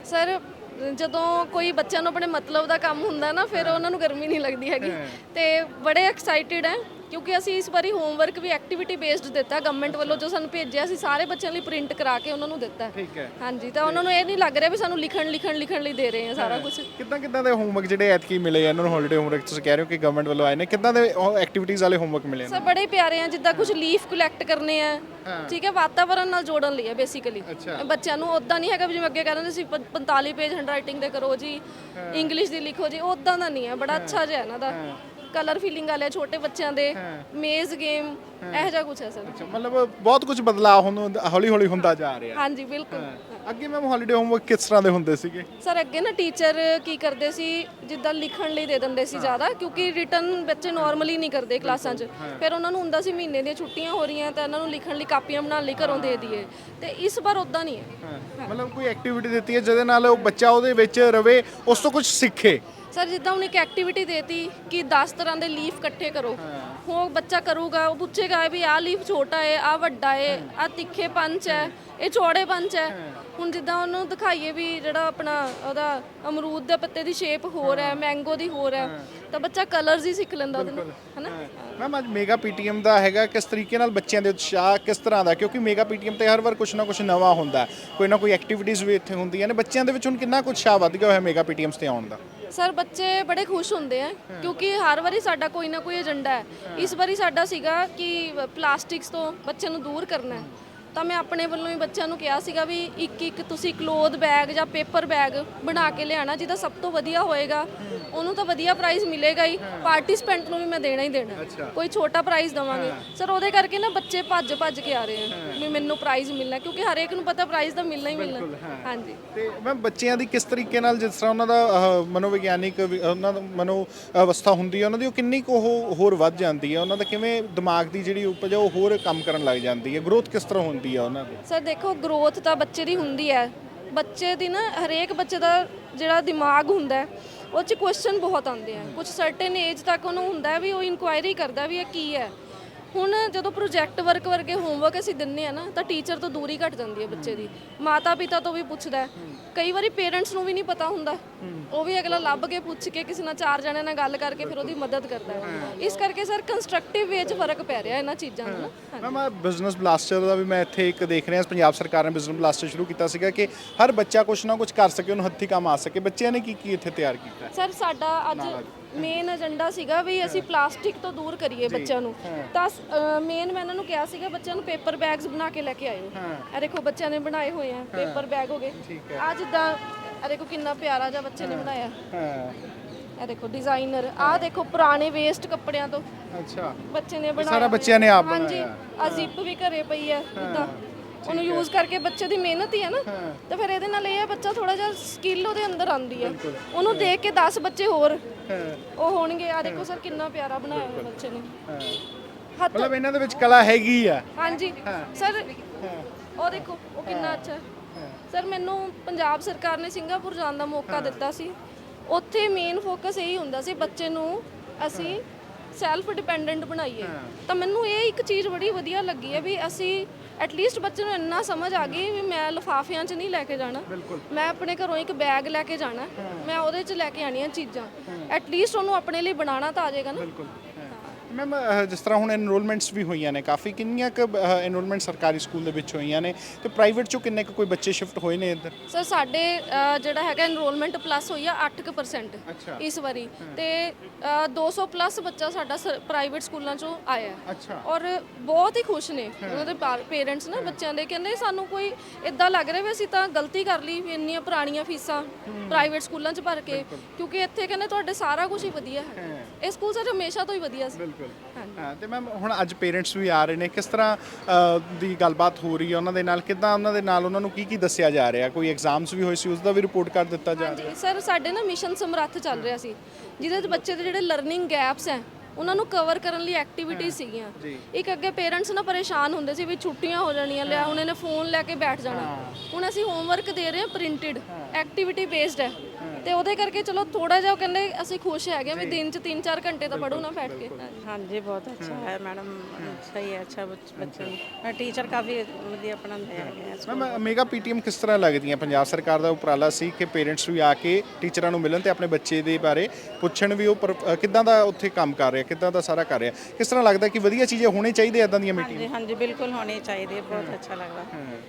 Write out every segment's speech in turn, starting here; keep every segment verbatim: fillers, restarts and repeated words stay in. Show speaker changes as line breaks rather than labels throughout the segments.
Sir ਜਦੋਂ ਕੋਈ ਬੱਚਿਆਂ ਨੂੰ ਆਪਣੇ ਮਤਲਬ ਦਾ ਕੰਮ ਹੁੰਦਾ ਨਾ ਫਿਰ ਉਹਨਾਂ ਨੂੰ ਗਰਮੀ ਨਹੀਂ ਲੱਗਦੀ ਹੈਗੀ ਤੇ ਬੜੇ ਐਕਸਾਈਟਿਡ ਹੈ ਕਿਉਂਕਿ ਅਸੀਂ ਇਸ ਵਾਰੀ ਹੋਮਵਰਕ ਵੀ ਐਕਟੀਵਿਟੀ ਬੇਸਡ ਦਿੱਤਾ ਗਵਰਨਮੈਂਟ ਵੱਲੋਂ ਜੋ ਸਾਨੂੰ ਭੇਜਿਆ ਸੀ ਸਾਰੇ ਬੱਚਿਆਂ ਲਈ ਪ੍ਰਿੰਟ ਕਰਾ ਕੇ ਉਹਨਾਂ ਨੂੰ ਦਿੱਤਾ।
ਠੀਕ ਹੈ।
ਹਾਂਜੀ ਤਾਂ ਉਹਨਾਂ ਨੂੰ ਇਹ ਨਹੀਂ ਲੱਗ ਰਿਹਾ ਵੀ ਸਾਨੂੰ ਲਿਖਣ ਲਿਖਣ ਲਿਖਣ ਲਈ ਦੇ ਰਹੇ ਆ ਸਾਰਾ ਕੁਝ।
ਕਿੱਦਾਂ ਕਿੱਦਾਂ ਦੇ ਹੋਮਵਰਕ ਜਿਹੜੇ ਐਤਕੀ ਮਿਲੇ ਇਹਨਾਂ ਨੂੰ ਹੌਲੀਡੇ ਹੋਮਵਰਕ ਤੁਸੀਂ ਕਹਿ ਰਹੇ ਹੋ ਕਿ ਗਵਰਨਮੈਂਟ ਵੱਲੋਂ ਆਏ ਨੇ ਕਿੱਦਾਂ ਦੇ ਐਕਟੀਵਿਟੀਜ਼ ਵਾਲੇ ਹੋਮਵਰਕ ਮਿਲੇ
ਸਰ ਬੜੇ ਪਿਆਰੇ ਆ ਜਿੱਦਾਂ ਕੁਝ ਲੀਫ ਕਲੈਕਟ ਕਰਨੇ ਆ ਠੀਕ ਹੈ ਵਾਤਾਵਰਣ ਨਾਲ ਜੋੜਨ ਲਈ ਹੈ ਬੇਸਿਕਲੀ ਬੱਚਿਆਂ ਨੂੰ ਉਦਾਂ ਨਹੀਂ ਹੈਗਾ ਜਿਵੇਂ ਅੱਗੇ ਕਹਿੰਦੇ ਸੀ ਪੰਤਾਲੀ ਪੇਜ ਹੈਂਡਰਾਈਟਿੰਗ ਦੇ ਕਰੋ ਜੀ ਇੰਗਲਿਸ਼ ਦੀ ਲਿਖੋ ਜੀ ਉਦਾਂ ਦਾ ਨਹੀਂ ਹੈ ਬੜਾ ਅੱਛਾ ਜਿਹਾ ਇਹਨਾਂ ਦਾ ਕਲਰ ਫੀਲਿੰਗ ਵਾਲੇ ਛੋਟੇ ਬੱਚਿਆਂ ਦੇ ਮੇਜ਼ ਗੇਮ ਇਹੋ ਜਿਹਾ ਕੁਝ ਹੈ ਸਰ।
ਅੱਛਾ ਮਤਲਬ ਬਹੁਤ ਕੁਝ ਬਦਲਾਅ ਹੁਣ ਹੌਲੀ ਹੌਲੀ ਹੁੰਦਾ ਜਾ ਰਿਹਾ।
ਹਾਂਜੀ ਬਿਲਕੁਲ।
ਅੱਗੇ ਮੈਮ ਹੌਲੀਡੇ ਹੋਮਵਰਕ ਕਿਸ ਤਰ੍ਹਾਂ ਦੇ ਹੁੰਦੇ ਸੀਗੇ?
ਸਰ ਅੱਗੇ ਨਾ ਟੀਚਰ ਕੀ ਕਰਦੇ ਸੀ ਜਿੱਦਾਂ ਲਿਖਣ ਲਈ ਦੇ ਦਿੰਦੇ ਸੀ ਜ਼ਿਆਦਾ ਕਿਉਂਕਿ ਰਿਟਨ ਬੱਚੇ ਨਾਰਮਲੀ ਨਹੀਂ ਕਰਦੇ ਕਲਾਸਾਂ 'ਚ ਫਿਰ ਉਹਨਾਂ ਨੂੰ ਹੁੰਦਾ ਸੀ ਮਹੀਨੇ ਦੀਆਂ ਛੁੱਟੀਆਂ ਹੋ ਰਹੀਆਂ ਤਾਂ ਇਹਨਾਂ ਨੂੰ ਲਿਖਣ ਲਈ ਕਾਪੀਆਂ ਬਣਾਉਣ ਲਈ ਘਰੋਂ ਦੇ ਦਈਏ ਤੇ ਇਸ ਵਾਰ ਉਦਾਂ ਨਹੀਂ ਹੈ।
ਮਤਲਬ ਕੋਈ ਐਕਟੀਵਿਟੀ ਦਿੱਤੀ ਹੈ ਜਿਹਦੇ ਨਾਲ ਉਹ ਬੱਚਾ ਉਹਦੇ ਵਿੱਚ ਰਵੇ ਉਸ ਤੋਂ ਕੁਝ ਸਿੱਖੇ।
ਸਰ ਜਿੱਦਾਂ ਹੁਣ ਇੱਕ ਐਕਟੀਵਿਟੀ ਦੇਤੀ ਕਿ ਦਸ ਤਰ੍ਹਾਂ ਦੇ ਲੀਫ ਇਕੱਠੇ ਕਰੋ ਉਹ ਬੱਚਾ ਕਰੂਗਾ ਉਹ ਪੁੱਛੇਗਾ ਵੀ ਆਹ ਲੀਫ ਛੋਟਾ ਹੈ ਆਹ ਵੱਡਾ ਹੈ ਆਹ ਤਿੱਖੇ ਪੰਚ ਹੈ ਇਹ ਚੌੜੇ ਪੰਚ ਹੈ। ਹੁਣ ਜਿੱਦਾਂ ਉਹਨੂੰ ਦਿਖਾਈਏ ਵੀ ਜਿਹੜਾ ਆਪਣਾ ਉਹਦਾ ਅਮਰੂਦ ਦੇ ਪੱਤੇ ਦੀ ਸ਼ੇਪ ਹੋਰ ਹੈ ਮੈਂਗੋ ਦੀ ਹੋਰ ਹੈ ਤਾਂ ਬੱਚਾ ਕਲਰਸ ਹੀ ਸਿੱਖ ਲੈਂਦਾ ਉਹਦੇ ਨਾਲ ਹੈ ਨਾ।
ਮੈਮ ਅੱਜ ਮੇਗਾ ਪੀਟੀਐਮ ਦਾ ਹੈਗਾ ਕਿਸ ਤਰੀਕੇ ਨਾਲ ਬੱਚਿਆਂ ਦੇ ਉਤਸ਼ਾਹ ਕਿਸ ਤਰ੍ਹਾਂ ਦਾ ਕਿਉਂਕਿ ਮੇਗਾ ਪੀਟੀਐਮ ਤੇ ਹਰ ਵਾਰ ਕੁਝ ਨਾ ਕੁਝ ਨਵਾਂ ਹੁੰਦਾ ਕੋਈ ਨਾ ਕੋਈ ਐਕਟੀਵਿਟੀਜ਼ ਵੀ ਇੱਥੇ ਹੁੰਦੀਆਂ ਨੇ ਬੱਚਿਆਂ ਦੇ ਵਿੱਚ ਹੁਣ ਕਿੰਨਾ ਕੁ ਉਤਸ਼ਾਹ ਵੱਧ ਗਿਆ ਹੋਇਆ ਮੇਗਾ ਪੀਟੀਐਮਸ ਤੇ ਆਉਣ ਦਾ?
ਸਰ ਬੱਚੇ ਬੜੇ ਖੁਸ਼ ਹੁੰਦੇ ਆ ਕਿਉਂਕਿ ਹਰ ਵਾਰੀ ਸਾਡਾ ਕੋਈ ਨਾ ਕੋਈ ਏਜੰਡਾ ਹੈ। ਇਸ ਵਾਰੀ ਸਾਡਾ ਸੀਗਾ ਕਿ ਪਲਾਸਟਿਕਸ ਤੋਂ ਬੱਚਿਆਂ ਨੂੰ ਦੂਰ ਕਰਨਾ ਹੈ ਤਾਂ ਮੈਂ ਆਪਣੇ ਵੱਲੋਂ ਹੀ ਬੱਚਿਆਂ ਨੂੰ ਕਿਹਾ ਸੀਗਾ ਵੀ ਇੱਕ ਇੱਕ ਤੁਸੀਂ ਕਲੋਥ ਬੈਗ ਜਾਂ ਪੇਪਰ ਬੈਗ ਬਣਾ ਕੇ ਲਿਆਣਾ ਜਿਹਦਾ ਸਭ ਤੋਂ ਵਧੀਆ ਹੋਏਗਾ ਉਹਨੂੰ ਤਾਂ ਵਧੀਆ ਪ੍ਰਾਈਜ਼ ਮਿਲੇਗਾ ਹੀ ਪਾਰਟਿਸਪੈਂਟ ਨੂੰ ਵੀ ਮੈਂ ਦੇਣਾ ਹੀ ਦੇਣਾ ਕੋਈ ਛੋਟਾ ਪ੍ਰਾਈਜ਼ ਦਵਾਂਗੇ ਸਰ ਉਹਦੇ ਕਰਕੇ ਨਾ ਬੱਚੇ ਭੱਜ ਭੱਜ ਕੇ ਆ ਰਹੇ ਆ ਵੀ ਮੈਨੂੰ ਪ੍ਰਾਈਜ਼ ਮਿਲਣਾ ਕਿਉਂਕਿ ਹਰੇਕ ਨੂੰ ਪਤਾ ਪ੍ਰਾਈਜ਼ ਤਾਂ ਮਿਲਣਾ ਹੀ ਮਿਲਣਾ। ਹਾਂਜੀ
ਤੇ ਮੈਂ ਬੱਚਿਆਂ ਦੀ ਕਿਸ ਤਰੀਕੇ ਨਾਲ ਜਿਸ ਤਰ੍ਹਾਂ ਉਹਨਾਂ ਦਾ ਮਨੋਵਿਗਿਆਨਿਕ ਉਹਨਾਂ ਦਾ ਮਨੋ ਅਵਸਥਾ ਹੁੰਦੀ ਹੈ ਉਹਨਾਂ ਦੀ ਉਹ ਕਿੰਨੀ ਕੁ ਉਹ ਹੋਰ ਵੱਧ ਜਾਂਦੀ ਹੈ ਉਹਨਾਂ ਦਾ ਕਿਵੇਂ ਦਿਮਾਗ ਦੀ ਜਿਹੜੀ ਉਪਜ ਉਹ ਹੋਰ ਕੰਮ ਕਰਨ ਲੱਗ ਜਾਂਦੀ ਹੈ ਗਰੋਥ ਕਿਸ ਤਰ੍ਹਾਂ ਹੁੰਦੀ ਹੈ ਉਹਨਾਂ ਦੀ?
ਸਰ ਦੇਖੋ ਗਰੋਥ ਤਾਂ ਬੱਚੇ ਦੀ ਹੁੰਦੀ ਹੈ ਬੱਚੇ ਦੀ ਨਾ ਹਰੇਕ ਬੱਚੇ ਦਾ ਜਿਹੜਾ ਦਿਮਾਗ ਹੁੰਦਾ ਉਹ 'ਚ ਕੁਐਸਚਨ ਬਹੁਤ ਆਉਂਦੇ ਆ ਕੁਝ ਸਰਟਨ ਏਜ ਤੱਕ ਉਹਨੂੰ ਹੁੰਦਾ ਵੀ ਉਹ ਇਨਕੁਆਇਰੀ ਕਰਦਾ ਵੀ ਇਹ ਕੀ ਹੈ। ਹੁਣ ਜਦੋਂ ਪ੍ਰੋਜੈਕਟ ਵਰਕ ਵਰਗੇ ਹੋਮਵਰਕ ਅਸੀਂ ਦਿੰਨੇ ਆ ਨਾ ਤਾਂ ਟੀਚਰ ਤੋਂ ਦੂਰੀ ਘਟ ਜਾਂਦੀ ਹੈ ਬੱਚੇ ਦੀ ਮਾਤਾ ਪਿਤਾ ਤੋਂ ਵੀ ਪੁੱਛਦਾ ਕਈ ਵਾਰੀ ਪੇਰੈਂਟਸ ਨੂੰ ਵੀ ਨਹੀਂ ਪਤਾ ਹੁੰਦਾ ਉਹ ਵੀ ਅਗਲਾ ਲੱਭ ਕੇ ਪੁੱਛ ਕੇ ਕਿਸੇ ਨਾਲ ਚਾਰ ਜਣਿਆਂ ਨਾਲ ਗੱਲ ਕਰਕੇ ਫਿਰ ਉਹਦੀ ਮਦਦ ਕਰਦਾ ਹੈ। ਇਸ ਕਰਕੇ ਸਰ ਕੰਸਟਰਕਟਿਵ ਵੇ 'ਚ ਫਰਕ ਪੈ ਰਿਹਾ ਇਹਨਾਂ ਚੀਜ਼ਾਂ ਦਾ ਨਾ।
ਮੈਮ ਬਿਜ਼ਨਸ ਬਲਾਸਟਰ ਦਾ ਵੀ ਮੈਂ ਇੱਥੇ ਇੱਕ ਦੇਖ ਰਿਹਾ ਪੰਜਾਬ ਸਰਕਾਰ ਨੇ ਬਿਜ਼ਨਸ ਬਲਾਸਟਰ ਸ਼ੁਰੂ ਕੀਤਾ ਸੀਗਾ ਕਿ ਹਰ ਬੱਚਾ ਕੁਛ ਨਾ ਕੁਛ ਕਰ ਸਕੇ ਉਹਨੂੰ ਹੱਥੀਂ ਕੰਮ ਆ ਸਕੇ ਬੱਚਿਆਂ ਨੇ ਕੀ ਕੀ ਇੱਥੇ ਤਿਆਰ ਕੀਤਾ?
ਸਰ ਸਾਡਾ ਅੱਜ ਮੇਨ ਏਜੰਡਾ ਸੀਗਾ ਵੀ ਅਸੀਂ ਪਲਾਸਟਿਕ ਤੋਂ ਦੂਰ ਕਰੀਏ ਬੱਚਿਆਂ ਨੂੰ ਤਾਂ ਮੇਨ ਮੈਂ ਇਹਨਾਂ ਨੂੰ ਕਿਹਾ ਸੀਗਾ ਬੱਚਿਆਂ ਨੂੰ ਪੇਪਰ ਬੈਗਸ ਬਣਾ ਕੇ ਲੈ ਕੇ ਆਇਓ। ਇਹ ਦੇਖੋ ਬੱਚਿਆਂ ਨੇ ਬਣਾਏ ਹੋਏ ਆ ਪੇਪਰ ਬੈਗ ਹੋ ਗਏ ਆ ਜਿੱਦਾਂ ਇਹ ਦੇਖੋ ਕਿੰਨਾ ਪਿਆਰਾ ਜਿਹਾ ਬੱਚੇ ਨੇ ਬਣਾਇਆ ਇਹ ਦੇਖੋ ਡਿਜ਼ਾਈਨਰ ਆਹ ਦੇਖੋ ਪੁਰਾਣੇ ਵੇਸਟ ਕੱਪੜਿਆਂ ਤੋਂ ਅੱਛਾ ਬੱਚੇ ਨੇ ਬਣਾਇਆ
ਸਾਰਾ ਬੱਚਿਆਂ ਨੇ ਆਪ
ਬਣਾਇਆ। ਹਾਂਜੀ ਆ ਜ਼ਿਪ ਵੀ ਘਰੇ ਪਈ ਹੈ ਜਿੱਦਾਂ ਉਹਨੂੰ ਯੂਜ਼ ਕਰਕੇ ਬੱਚੇ ਦੀ ਮਿਹਨਤ ਹੀ ਹੈ ਨਾ ਤਾਂ ਫਿਰ ਇਹਦੇ ਨਾਲ ਇਹ ਹੈ ਬੱਚਾ ਥੋੜਾ ਜਿਹਾ ਸਕਿੱਲ ਉਹਦੇ ਅੰਦਰ ਆਉਂਦੀ ਹੈ ਉਹਨੂੰ ਦੇਖ ਕੇ ਦਸ ਬੱਚੇ ਹੋਰ ਉਹ ਹੋਣਗੇ। ਆ ਦੇਖੋ ਸਰ ਕਿੰਨਾ ਪਿਆਰਾ ਬਣਾਇਆ ਹੋਇਆ ਬੱਚੇ ਨੇ ਹੱਥ
ਮਤਲਬ ਇਹਨਾਂ ਦੇ ਵਿੱਚ ਕਲਾ ਹੈਗੀ ਆ।
ਹਾਂਜੀ ਸਰ ਉਹ ਦੇਖੋ ਉਹ ਕਿੰਨਾ ਅੱਛਾ ਸਰ ਮੈਨੂੰ ਪੰਜਾਬ ਸਰਕਾਰ ਨੇ ਸਿੰਗਾਪੁਰ ਜਾਣ ਦਾ ਮੌਕਾ ਦਿੱਤਾ ਸੀ ਉੱਥੇ ਮੇਨ ਫੋਕਸ ਇਹੀ ਹੁੰਦਾ ਸੀ ਬੱਚੇ ਨੂੰ ਅਸੀਂ ਸੈਲਫ ਡਿਪੈਂਡੈਂਟ ਬਣਾਈਏ ਤਾਂ ਮੈਨੂੰ ਇਹ ਇੱਕ ਚੀਜ਼ ਬੜੀ ਵਧੀਆ ਲੱਗੀ ਹੈ ਵੀ ਅਸੀਂ ਐਟਲੀਸਟ ਬੱਚੇ ਨੂੰ ਇੰਨਾ ਸਮਝ ਆ ਗਈ ਵੀ ਮੈਂ ਲਿਫਾਫਿਆਂ 'ਚ ਨਹੀਂ ਲੈ ਕੇ ਜਾਣਾ ਮੈਂ ਆਪਣੇ ਘਰੋਂ ਇੱਕ ਬੈਗ ਲੈ ਕੇ ਜਾਣਾ ਮੈਂ ਉਹਦੇ 'ਚ ਲੈ ਕੇ ਆਣੀਆਂ ਚੀਜ਼ਾਂ ਐਟਲੀਸਟ ਉਹਨੂੰ ਆਪਣੇ ਲਈ ਬਣਾਉਣਾ ਤਾਂ ਆ ਜਾਏਗਾ ਨਾ।
ਮੈਮ ਜਿਸ ਤਰ੍ਹਾਂ ਹੁਣ ਐਨਰੋਲਮੈਂਟਸ ਵੀ ਹੋਈਆਂ ਨੇ ਕਾਫੀ ਕਿੰਨੀਆਂ ਕੁ ਐਨਰੋਲਮੈਂਟ ਸਰਕਾਰੀ ਸਕੂਲ ਦੇ ਵਿੱਚ ਹੋਈਆਂ ਨੇ ਤੇ ਪ੍ਰਾਈਵੇਟ ਚੋਂ ਕਿੰਨੇ ਕੁ ਕੋਈ ਬੱਚੇ ਸ਼ਿਫਟ ਹੋਏ ਨੇ ਇੱਧਰ?
ਸਰ ਸਾਡੇ ਜਿਹੜਾ ਹੈਗਾ ਐਨਰੋਲਮੈਂਟ ਪਲੱਸ ਹੋਈ ਆ ਅੱਠ ਕੁ ਪਰਸੈਂਟ ਇਸ ਵਾਰੀ ਤੇ ਦੋ ਸੌ ਪਲੱਸ ਬੱਚਾ ਸਾਡਾ ਪ੍ਰਾਈਵੇਟ ਸਕੂਲਾਂ ਚੋਂ ਆਇਆ ਔਰ ਬਹੁਤ ਹੀ ਖੁਸ਼ ਨੇ ਉਹਨਾਂ ਦੇ ਪੇਰੈਂਟਸ ਨਾ ਬੱਚਿਆਂ ਦੇ ਕਹਿੰਦੇ ਸਾਨੂੰ ਕੋਈ ਇਦਾਂ ਲੱਗ ਰਿਹਾ ਵੀ ਅਸੀਂ ਤਾਂ ਗਲਤੀ ਕਰ ਲਈ ਵੀ ਇੰਨੀਆਂ ਪੁਰਾਣੀਆਂ ਫੀਸਾਂ ਪ੍ਰਾਈਵੇਟ ਸਕੂਲਾਂ 'ਚ ਭਰ ਕੇ ਕਿਉਂਕਿ ਇੱਥੇ ਕਹਿੰਦੇ ਤੁਹਾਡੇ ਸਾਰਾ ਕੁਝ ਹੀ ਵਧੀਆ ਹੈ ਇਹ ਸਕੂਲ ਸਰ ਹਮੇਸ਼ਾ ਤੋਂ ਹੀ ਵਧੀਆ ਸੀ।
ਹਾਂ ਤੇ ਮੈਮ ਹੁਣ ਅੱਜ ਪੇਰੈਂਟਸ ਵੀ ਆ ਰਹੇ ਨੇ ਕਿਸ ਤਰ੍ਹਾਂ ਦੀ ਗੱਲਬਾਤ ਹੋ ਰਹੀ ਹੈ ਉਹਨਾਂ ਦੇ ਨਾਲ ਕਿੱਦਾਂ ਉਹਨਾਂ ਦੇ ਨਾਲ ਉਹਨਾਂ ਨੂੰ ਕੀ ਕੀ ਦੱਸਿਆ ਜਾ ਰਿਹਾ ਕੋਈ ਐਗਜ਼ਾਮਸ ਵੀ ਹੋਏ ਸੀ ਉਸ ਦਾ ਵੀ ਰਿਪੋਰਟ ਕਰ ਦਿੱਤਾ ਜਾ ਰਿਹਾ?
ਹਾਂਜੀ ਸਰ ਸਾਡੇ ਨਾ ਮਿਸ਼ਨ ਸਮਰੱਥ ਚੱਲ ਰਿਹਾ ਸੀ ਜਿਹਦੇ 'ਚ ਬੱਚੇ ਦੇ ਜਿਹੜੇ ਲਰਨਿੰਗ ਗੈਪਸ ਹੈ ਉਹਨਾਂ ਨੂੰ ਕਵਰ ਕਰਨ ਲਈ ਐਕਟੀਵਿਟੀਜ਼ ਸੀਗੀਆਂ। ਇੱਕ ਅੱਗੇ ਪੇਰੈਂਟਸ ਨਾ ਪਰੇਸ਼ਾਨ ਹੁੰਦੇ ਸੀ ਵੀ ਛੁੱਟੀਆਂ ਹੋ ਜਾਣੀਆਂ ਲਿਆ ਹੁਣ ਇਹਨੇ ਫੋਨ ਲੈ ਕੇ ਬੈਠ ਜਾਣਾ ਹੁਣ ਅਸੀਂ ਹੋਮਵਰਕ ਦੇ ਰਹੇ ਹਾਂ ਪ੍ਰਿੰਟਡ ਐਕਟੀਵਿਟੀ ਬੇਸਡ ਹੈ ਤੇ ਉਹਦੇ ਕਰਕੇ ਚਲੋ ਥੋੜਾ ਜਿਹਾ ਉਹ ਕਹਿੰਦੇ ਅਸੀਂ ਖੁਸ਼ ਹੈਗੇ ਵੀ ਦਿਨ 'ਚ ਤਿੰਨ ਚਾਰ ਘੰਟੇ ਤਾਂ ਪੜ੍ਹੋ ਨਾ ਬੈਠ ਕੇ।
हाँ जी बहुत अच्छा है मैडम, सही है, अच्छा बच- बच्चों ਨੂੰ ਟੀਚਰ ਕਾਫੀ ਵਧੀਆ ਪੜ੍ਹਾਉਂਦੇ ਹੈਗੇ ਆ।
ਮੈਮ ਮੇਗਾ ਪੀਟੀਐਮ ਕਿਸ ਤਰ੍ਹਾਂ ਲੱਗਦੀਆਂ? ਪੰਜਾਬ ਸਰਕਾਰ ਦਾ ਉਪਰਾਲਾ ਸੀ ਕਿ ਪੇਰੈਂਟਸ ਵੀ ਆ ਕੇ ਟੀਚਰਾਂ ਨੂੰ ਮਿਲਣ ਤੇ ਆਪਣੇ ਬੱਚੇ ਦੇ ਬਾਰੇ ਪੁੱਛਣ ਵੀ ਉਹ ਪਰ- ਅ, ਕਿੱਦਾਂ ਦਾ ਉੱਥੇ ਕੰਮ ਕਰ ਰਿਹਾ, ਕਿੱਦਾਂ ਦਾ ਸਾਰਾ ਕਰ ਰਿਹਾ। ਕਿਸ ਤਰ੍ਹਾਂ ਲੱਗਦਾ ਕਿ ਵਧੀਆ ਚੀਜ਼ਾਂ ਹੋਣੀ ਚਾਹੀਦੀਆਂ ਇਦਾਂ ਦੀਆਂ ਮੀਟਿੰਗ?
ਹਾਂਜੀ ਹਾਂਜੀ ਬਿਲਕੁਲ ਹੋਣੀ ਚਾਹੀਦੀ, ਬਹੁਤ ਅੱਛਾ ਲੱਗਦਾ।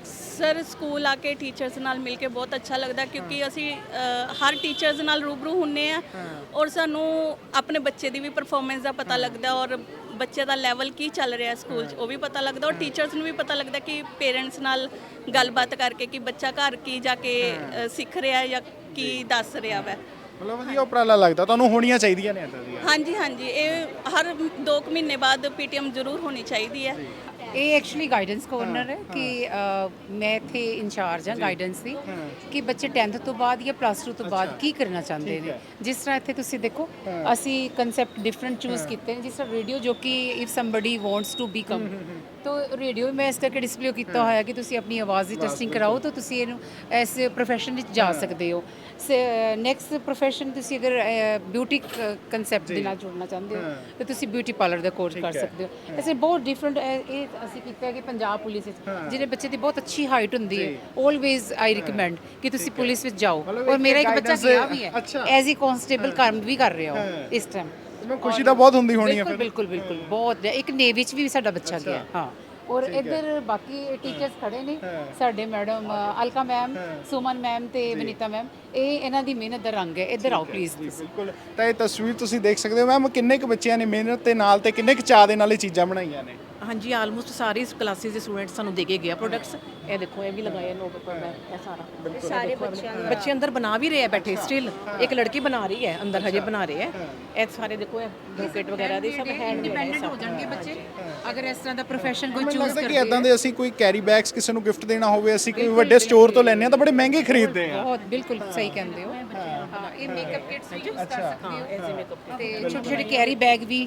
ਸਰ ਸਕੂਲ ਆ ਕੇ ਟੀਚਰਸ ਨਾਲ ਮਿਲ ਕੇ ਬਹੁਤ ਅੱਛਾ ਲੱਗਦਾ ਕਿਉਂਕਿ ਅਸੀਂ ਅ, ਹਰ ਟੀਚਰਸ ਨਾਲ ਰੂਬਰੂ ਹੁੰਨੇ ਆ ਔਰ ਸਾਨੂੰ ਆਪਣੇ ਬੱਚੇ ਦੀ ਵੀ ਪਰਫਾਰਮੈਂਸ ਦਾ ਪਤਾ ਲੱਗਦਾ ਔਰ ਬੱਚੇ ਦਾ ਲੈਵਲ ਕੀ ਚੱਲ ਰਿਹਾ ਸਕੂਲ 'ਚ ਉਹ ਵੀ ਪਤਾ ਲੱਗਦਾ ਔਰ ਟੀਚਰਸ ਨੂੰ ਵੀ ਪਤਾ ਲੱਗਦਾ ਕਿ ਪੇਰੈਂਟਸ ਨਾਲ ਗੱਲਬਾਤ ਕਰਕੇ ਕਿ ਬੱਚਾ ਘਰ ਕੀ ਜਾ ਕੇ ਅ, ਸਿੱਖ ਰਿਹਾ ਜਾਂ ਕੀ ਦੱਸ ਰਿਹਾ ਵੈ।
ਮਤਲਬ ਵਧੀਆ ਉਪਰਾਲਾ ਲੱਗਦਾ ਤੁਹਾਨੂੰ, ਹੋਣੀਆਂ ਚਾਹੀਦੀਆਂ ਨੇ ਇਦਾਂ ਦੀਆਂ।
ਹਾਂਜੀ ਹਾਂਜੀ ਇਹ ਹਰ ਦੋ ਕੁ ਮਹੀਨੇ ਬਾਅਦ ਪੀਟੀਐਮ ਜ਼ਰੂਰ ਹੋਣੀ ਚਾਹੀਦੀ ਹੈ।
ਇਹ ਐਕਚੁਅਲੀ ਗਾਈਡੈਂਸ ਕੋਰਨਰ ਹੈ ਕਿ ਅ, ਮੈਂ ਇੱਥੇ ਇੰਚਾਰਜ ਹਾਂ ਗਾਈਡੈਂਸ ਦੀ ਕਿ ਬੱਚੇ ਟੈਂਥ ਤੋਂ ਬਾਅਦ ਜਾਂ ਪਲੱਸ ਟੂ ਤੋਂ ਬਾਅਦ ਕੀ ਕਰਨਾ ਚਾਹੁੰਦੇ ਨੇ। ਜਿਸ ਤਰ੍ਹਾਂ ਇੱਥੇ ਤੁਸੀਂ ਦੇਖੋ ਅਸੀਂ ਕਨਸੈਪਟ ਡਿਫਰੈਂਟ ਚੂਜ਼ ਕੀਤੇ ਨੇ, ਜਿਸ ਤਰ੍ਹਾਂ ਰੇਡੀਓ ਜੋ ਕਿ if somebody wants to become ਤੋ ਰੇਡੀਓ ਮੈਂ ਇਸ ਕਰਕੇ ਡਿਸਪਲੇ ਕੀਤਾ ਹੋਇਆ ਕਿ ਤੁਸੀਂ ਆਪਣੀ ਆਵਾਜ਼ ਦੀ ਟੈਸਟਿੰਗ ਕਰਾਓ ਤਾਂ ਤੁਸੀਂ ਇਹਨੂੰ ਇਸ ਪ੍ਰੋਫੈਸ਼ਨ ਵਿੱਚ ਜਾ ਸਕਦੇ ਹੋ। ਨੈਕਸਟ ਪ੍ਰੋਫੈਸ਼ਨ ਤੁਸੀਂ ਅਗਰ ਬਿਊਟੀ ਕਨਸੈਪਟ ਦੇ ਨਾਲ ਜੁੜਨਾ ਚਾਹੁੰਦੇ ਹੋ ਤਾਂ ਤੁਸੀਂ ਬਿਊਟੀ ਪਾਰਲਰ ਦਾ ਕੋਰਸ ਕਰ ਸਕਦੇ ਹੋ। ਐਸੇ ਬਹੁਤ ਡਿਫਰੈਂਟ ਇਹ ਅਸੀਂ ਕੀਤਾ ਹੈ ਕਿ ਪੰਜਾਬ ਪੁਲਿਸ ਵਿੱਚ ਜਿਹੜੇ ਬੱਚੇ ਦੀ ਬਹੁਤ ਅੱਛੀ ਹਾਈਟ ਹੁੰਦੀ ਹੈ ਆਲਵੇਜ਼ ਆਈ ਰਿਕਮੈਂਡ ਕਿ ਤੁਸੀਂ ਪੁਲਿਸ ਵਿੱਚ ਜਾਓ। ਔਰ ਮੇਰਾ ਇੱਕ ਬੱਚਾ ਗਿਆ ਵੀ ਹੈ ਐਜ਼ ਈ ਕਾਂਸਟੇਬਲ ਕੰਮ ਵੀ ਕਰ ਰਿਹਾ ਹੋ ਇਸ ਟਾਈਮ।
ਖੁਸ਼ੀ ਤਾਂ ਬਹੁਤ ਹੁੰਦੀ ਹੋਣੀ ਹੈ
ਬਿਲਕੁਲ ਬਿਲਕੁਲ ਬਿਲਕੁਲ ਬਹੁਤ। ਇੱਕ ਨੇਵੀ 'ਚ ਵੀ ਸਾਡਾ ਬੱਚਾ ਗਿਆ। ਹਾਂ ਔਰ ਇੱਧਰ ਬਾਕੀ ਟੀਚਰਸ ਖੜੇ ਨੇ ਸਾਡੇ, madam Alka ma'am, Suman ma'am ਤੇ ਵਨੀਤਾ ਮੈਮ, ਇਹ ਇਹਨਾਂ ਦੀ ਮਿਹਨਤ ਦਾ ਰੰਗ ਹੈ। ਇੱਧਰ ਆਓ ਪਲੀਜ਼।
ਬਿਲਕੁਲ। ਤਾਂ ਇਹ ਤਸਵੀਰ ਤੁਸੀਂ ਦੇਖ ਸਕਦੇ ਹੋ ਮੈਮ, ਕਿੰਨੇ ਕੁ ਬੱਚਿਆਂ ਨੇ ਮਿਹਨਤ ਦੇ ਨਾਲ ਤੇ ਕਿੰਨੇ ਕੁ ਚਾਅ ਦੇ ਨਾਲ ਇਹ ਚੀਜ਼ਾਂ ਬਣਾਈਆਂ ਨੇ।
ਹਾਂਜੀ ਆਲਮੋਸਟ ਸਾਰੇ ਕਲਾਸਿਸ ਦੇ ਸਟੂਡੈਂਟਸ ਸਾਨੂੰ ਦੇ ਕੇ ਗਿਆ ਪ੍ਰੋਡਕਟਸ। ਇਹ ਦੇਖੋ ਇਹ ਵੀ ਲਗਾਇਆ ਨੋਟ ਉੱਪਰ ਮੈਂ ਇਹ ਸਾਰਾ ਸਾਰੇ ਬੱਚਿਆਂ ਦੇ ਬੱਚੇ ਅੰਦਰ ਬਣਾ ਵੀ ਰਹੇ ਆ ਬੈਠੇ ਸਟਿਲ। ਇੱਕ ਲੜਕੀ ਬਣਾ ਰਹੀ ਹੈ ਅੰਦਰ, ਹਜੇ ਬਣਾ ਰਹੇ ਹੈ। ਇਹ ਸਾਰੇ ਦੇਖੋ ਇਹ ਬੁਕੇਟ ਵਗੈਰਾ ਦੇ ਸਭ ਹੈਂਡ
ਇੰਡੀਪੈਂਡੈਂਟ ਹੋ ਜਾਣਗੇ ਬੱਚੇ ਅਗਰ ਇਸ ਤਰ੍ਹਾਂ ਦਾ ਪ੍ਰੋਫੈਸ਼ਨ ਕੋਈ
ਮੈਨੂੰ
ਚੂਜ਼
ਲੱਗਦਾ
ਕਰਦੇ
ਕਿ ਇਦਾਂ ਦੇ ਅਸੀਂ ਕੋਈ ਕੈਰੀ ਬੈਗਸ ਕਿਸੇ ਨੂੰ ਗਿਫਟ ਦੇਣਾ ਹੋਵੇ, ਅਸੀਂ ਕੋਈ ਵੱਡੇ ਸਟੋਰ ਤੋਂ ਲੈਣੇ ਆ ਤਾਂ ਬੜੇ ਮਹਿੰਗੇ ਖਰੀਦਦੇ ਆ।
ਬਹੁਤ ਬਿਲਕੁਲ ਸਹੀ ਕਹਿੰਦੇ ਹੋ। ਹਾਂ ਇਹ ਮੇਕਅਪ ਕਿਟਸ ਵੀ ਯੂਜ਼ ਕਰ ਸਕਦੇ ਹੋ ਐਜ਼ ਮੇਕਅਪ ਤੇ ਛੋਟੇ ਛੋਟੇ ਕੈਰੀ ਬੈਗ ਵੀ।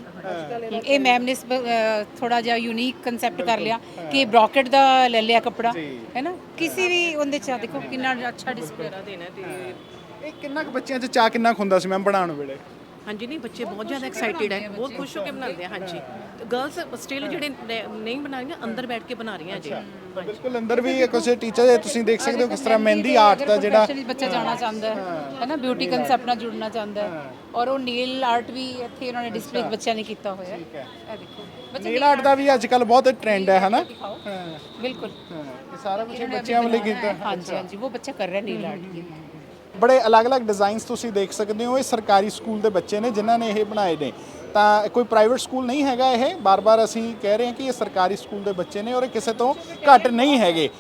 ਇਹ ਮੈਮ ਨੇ ਥੋੜਾ ਜਿਹਾ ਯੂਨੀਕ ਕਨਸੈਪਟ ਕਰ ਲਿਆ ਕਿ ਬ੍ਰੋਕਟ ਦਾ ਲੈ ਲਿਆ ਕੱਪੜਾ ਹੈ ਨਾ, ਕਿਸੇ ਵੀ ਉਹਦੇ ਚ ਦੇਖੋ ਕਿੰਨਾ ਅੱਛਾ ਡਿਸਪਲੇ
ਦੇਣਾ ਤੇ
ਇਹ ਕਿੰਨਾ ਕੁ ਬੱਚਿਆਂ 'ਚ ਚਾਅ ਕਿੰਨਾ ਕੁ ਹੁੰਦਾ ਸੀ ਮੈਮ ਬਣਾਉਣ ਵੇਲੇ?
ਹਾਂਜੀ ਨਹੀਂ ਬੱਚੇ ਬਹੁਤ ਜ਼ਿਆਦਾ ਐਕਸਾਈਟਿਡ ਹੈ, ਬਹੁਤ ਖੁਸ਼ ਹੋ ਕੇ ਬਣਾਉਂਦੇ ਆ। ਹਾਂਜੀ ਗਰਲਸ ਸਟਿਲ ਜਿਹੜੇ ਨਹੀਂ ਬਣਾ ਰਹੀਆਂ ਅੰਦਰ ਬੈਠ ਕੇ ਬਣਾ ਰਹੀਆਂ ਜੀ।
ਬਿਲਕੁਲ ਅੰਦਰ ਵੀ ਕੁਝ ਟੀਚਰ ਤੁਸੀਂ ਦੇਖ ਸਕਦੇ ਹੋ ਕਿਸ ਤਰ੍ਹਾਂ ਮਹਿੰਦੀ ਆਰਟ ਦਾ ਜਿਹੜਾ
ਬੱਚਾ ਜਾਣਾ ਚਾਹੁੰਦਾ ਹੈ ਹੈ ਨਾ, ਬਿਊਟੀ ਕਨਸੈਪਟ ਨਾਲ ਜੁੜਨਾ ਚਾਹੁੰਦਾ ਹੈ ਔਰ ਉਹ ਨੀਲ ਆਰਟ ਵੀ ਇੱਥੇ ਉਹਨਾਂ ਨੇ ਡਿਸਪਲੇ ਬੱਚਿਆਂ ਨੇ ਕੀਤਾ ਹੋਇਆ। ਇਹ ਦੇਖੋ
ਨੀਲ ਆਰਟ ਦਾ ਵੀ ਅੱਜ ਕੱਲ ਬਹੁਤ ਟ੍ਰੈਂਡ ਹੈ ਹਨਾ।
ਬਿਲਕੁਲ
ਇਹ ਸਾਰਾ ਕੁਝ ਬੱਚਿਆਂ ਵੱਲੋਂ ਕੀਤਾ।
ਹਾਂਜੀ ਹਾਂਜੀ ਉਹ ਬੱਚਾ ਕਰ ਰਿਹਾ ਨੀਲ ਆਰਟ ਕੀ।
ਬੜੇ ਅਲੱਗ-ਅਲੱਗ ਡਿਜ਼ਾਈਨਸ ਤੁਸੀਂ ਦੇਖ ਸਕਦੇ ਹੋ। ਇਹ ਸਰਕਾਰੀ ਸਕੂਲ ਦੇ ਬੱਚੇ ਨੇ ਜਿਨ੍ਹਾਂ ਨੇ ਇਹ ਬਣਾਏ ਨੇ, ਤਾਂ ਕੋਈ ਪ੍ਰਾਈਵੇਟ ਸਕੂਲ ਨਹੀਂ ਹੈਗਾ ਇਹ। ਬਾਰ-ਬਾਰ ਅਸੀਂ ਕਹਿ ਰਹੇ ਹਾਂ ਕਿ ਇਹ ਸਰਕਾਰੀ ਸਕੂਲ ਦੇ ਬੱਚੇ ਨੇ ਔਰ ਇਹ ਕਿਸੇ ਤੋਂ ਘੱਟ ਨਹੀਂ ਹੈਗੇ।